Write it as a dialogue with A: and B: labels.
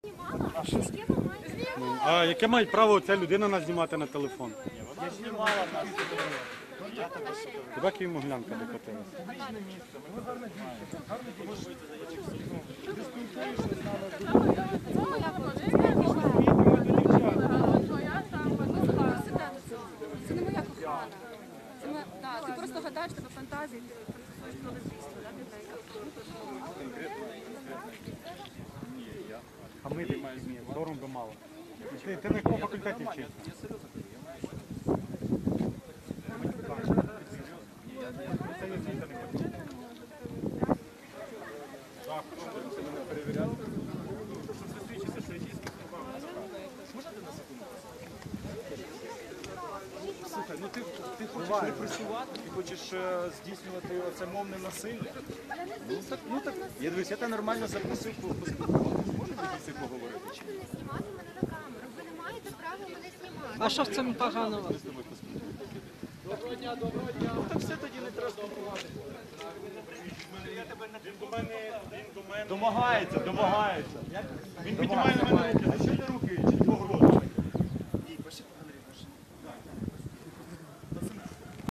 A: А яке має право ця людина нас знімати на телефон?
B: Я знімала нас.
A: Тебе Києво-Могилянка докотилася.
C: Це не моя кохана. Ти просто гадаєш, тебе фантазії, ти працюєш про лесбійство, так?
A: А ми ні, сором би мало. Ти на якому факультеті вчишся?
B: Слухай, ну ти хочеш репресувати, ти хочеш здійснювати оце мовне насилля. Ну так, я дивлюсь, я тебе нормально запросив поспілкуватися. Можете дійсно поговорити? Чи ні?
D: Знімати мене на камеру. Ви не маєте права мене знімати.
E: А що в цьому поганого?
B: Доброго дня. Ну так все тоді не треба спілкуватися. Домагається. Він піднімає на мене руки.